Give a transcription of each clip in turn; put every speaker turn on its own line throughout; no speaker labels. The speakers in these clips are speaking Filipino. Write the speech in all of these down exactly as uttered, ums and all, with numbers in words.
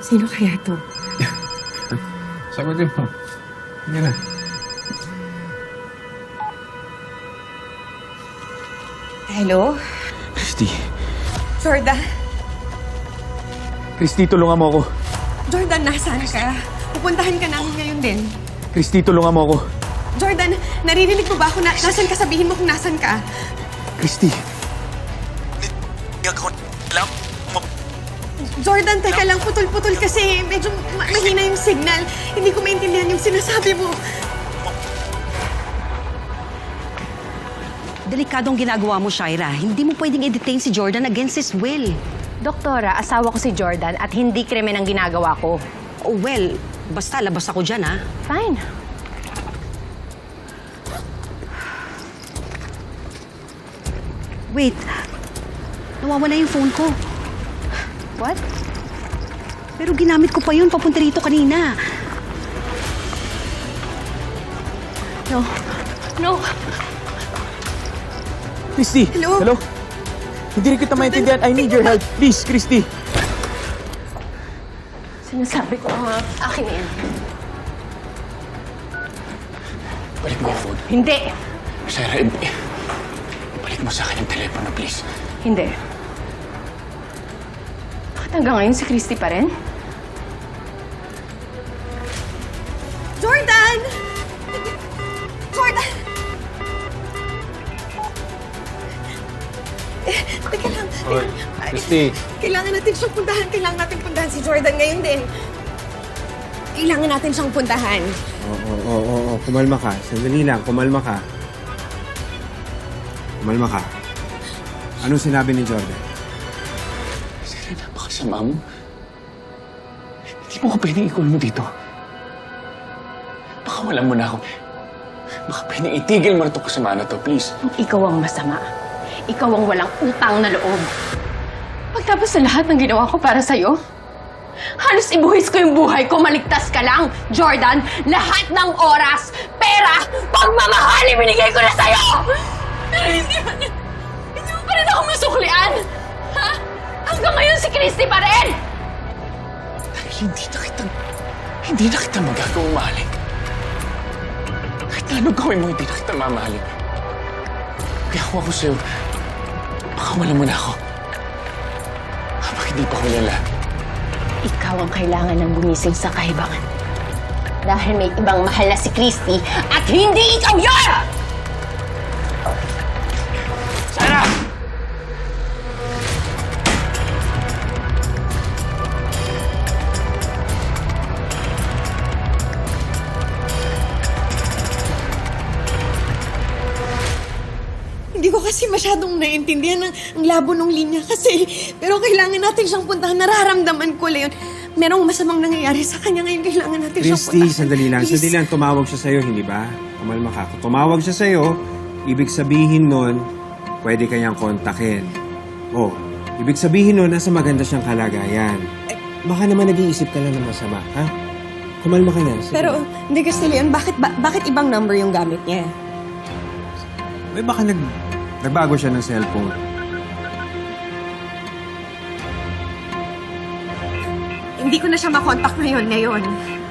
Sino kaya to?
Sagutin mo. Hindi na.
Hello?
Christy.
Jordan?
Christy, tulungan mo ako.
Jordan, nasaan ka? Pupuntahan ka namin ngayon din.
Christy, tulungan mo ako.
Jordan, naririnig mo ba ako na nasan ka? Sabihin mo kung nasan ka.
Christy.
Jordan, teka lang, putol-putol kasi medyo ma- mahina yung signal. Hindi ko maintindihan yung sinasabi mo.
Delikadong ginagawa mo, Shaira. Hindi mo pwedeng i-detain si Jordan against his will.
Doktora, asawa ko si Jordan at hindi krimen ang ginagawa ko.
Oh, well, basta labas ako dyan, ha?
Fine.
Wait. Nawawala yung phone ko.
What?
Pero ginamit ko pa yun papunta rito kanina.
No. No.
Christy!
Hello?
Hello? Hindi rin kita maintindihan. I need your help. Please, Christy.
Sinasabi ko nga, akin na yan.
Balik mo yung phone.
Hindi.
Sarah, i- ibalik mo sa akin yung telepono, please.
Hindi. Bakit hanggang ngayon si Christy pa rin?
Jordan! Jordan! Eh, teka lang.
Hoy,
Ay,
Christy.
Kailangan natin siyang puntahan. Kailangan natin puntahan si Jordan ngayon din. Kailangan natin siyang puntahan.
Oo, oo, oo, oo. Kumalma ka. Sandali lang. Kumalma ka. Kumalma ka. Anong sinabi ni Jordan?
Sarah, napakasama mo. Hindi mo ko pwedeng i-call mo dito. Baka wala mo na ako. Baka pwedeng itigil mo na itong kasama na to, please.
Ikaw ang masama. Ikaw ang walang utang na loob. Pagtapos sa lahat ng ginawa ko para sa'yo, halos ibuhis ko yung buhay ko, maligtas ka lang. Jordan, lahat ng oras, pera, pagmamahal, ibinigay ko na sa'yo! Pero hindi mo, hindi mo pa rin ako masuklian! Ha? Hanggang ngayon si Christy pa rin!
Dahil hindi na kita, hindi na kita magagawang mahalin. Kahit na anong gawin mo, hindi na kita mamahalin. Kaya kung ako sa'yo, baka wala mo na ako. Habang hindi pa hulala.
Ikaw ang kailangan ng gumising sa kahibangan. Dahil may ibang mahal na si Christy at hindi ikaw yun!
Sarah!
Hindi ko kasi masyadong naiintindihan ang, ang labo ng linya kasi. Pero kailangan natin siyang puntahan. Nararamdaman ko, Leon. Merong masamang nangyayari sa kanya ngayon. Kailangan natin siyang
Christy,
puntahan.
sandali lang.
Please.
Sandali lang. Tumawag siya sa'yo, hindi ba? Kumalma ka. Kung tumawag siya sa'yo, ibig sabihin nun, pwede kanyang kontakin. Oh, ibig sabihin nun, nasa maganda siyang kalagayan. Baka naman nag-iisip ka lang ng masama, ha? Kumalma ka na. Sige.
Pero, hindi kasi, Leon, bakit, ba, bakit ibang number yung gamit niya?
May baka nag, nagbago siya ng cellphone.
Hindi ko na siya makontak ngayon, ngayon.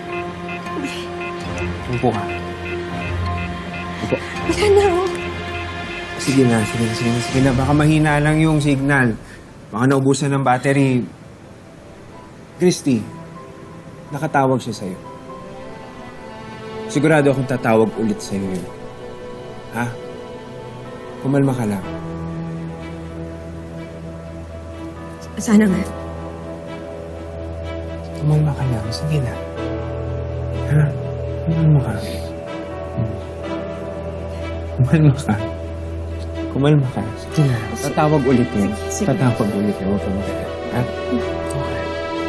Upo ka. Upo.
Wala na, oh.
Sige na, sige na, sige na, sige na. Baka mahina lang yung signal. Baka naubusan ng battery. Christy, nakatawag siya sa'yo. Sigurado akong tatawag ulit sa'yo yun. Ha? Kumalma ka lang.
Sana nga.
Kumalma ka lang. Sige na. Ha? Kumalma ka. Hmm. Kumalma ka. Kumalma ka. Sige na. Tatawag ulit yun.
Sige.
Tatawag ulit yun. Huwag ka mag-alala. Ha? Okay.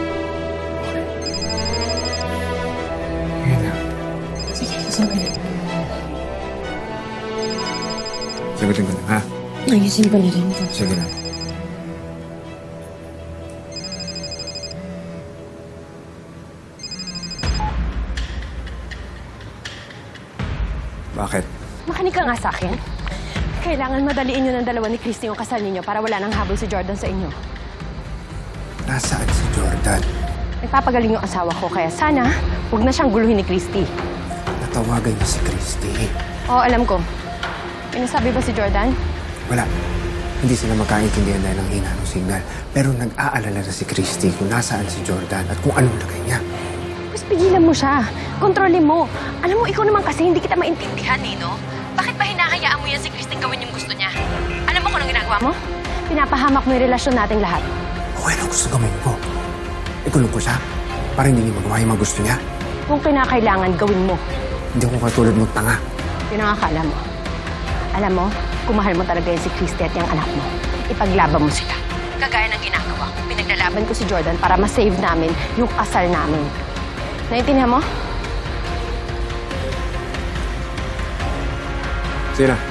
Ayan na.
Sige, sige.
Sagutin ko na, ha?
Ayusin ko na rin ito.
Sige na. Bakit?
Makinig ka nga sa akin. Kailangan madaliin nyo ng dalawa ni Christy yung kasal ninyo para wala nang habol si Jordan sa inyo.
Nasaan si Jordan?
Nagpapagaling yung asawa ko, kaya sana huwag na siyang guluhin ni Christy.
Natawagan niya si Christy.
Oo, alam ko. May nasabi ba si Jordan?
Wala. Hindi sila magkaintindihan dahil ang hina ng signal. Pero nag-aalala na si Christy kung nasaan si Jordan at kung anong lagay niya.
Mas pigilan mo siya. Kontrolin mo. Alam mo, ikaw naman kasi hindi kita maintindihan eh, no? Bakit ba hinahayaan mo yan si Christy gawin yung gusto niya? Alam mo kung anong ginagawa mo? Pinapahamak mo yung relasyon nating lahat.
Okay lang gusto gawin ko. Ikulong ko siya para hindi niya magawa yung mga gusto niya.
Kung kinakailangan, gawin mo.
Hindi ako katulad mong tanga.
Yun ang akala mo. Alam mo, kung mahal mo talaga yan si Christy at yung anak mo, ipaglaban mo sila. Kagaya ng ginagawa ko, pinaglalaban ko si Jordan para ma-save namin yung kasal namin. Naintindihan mo?
Sige na.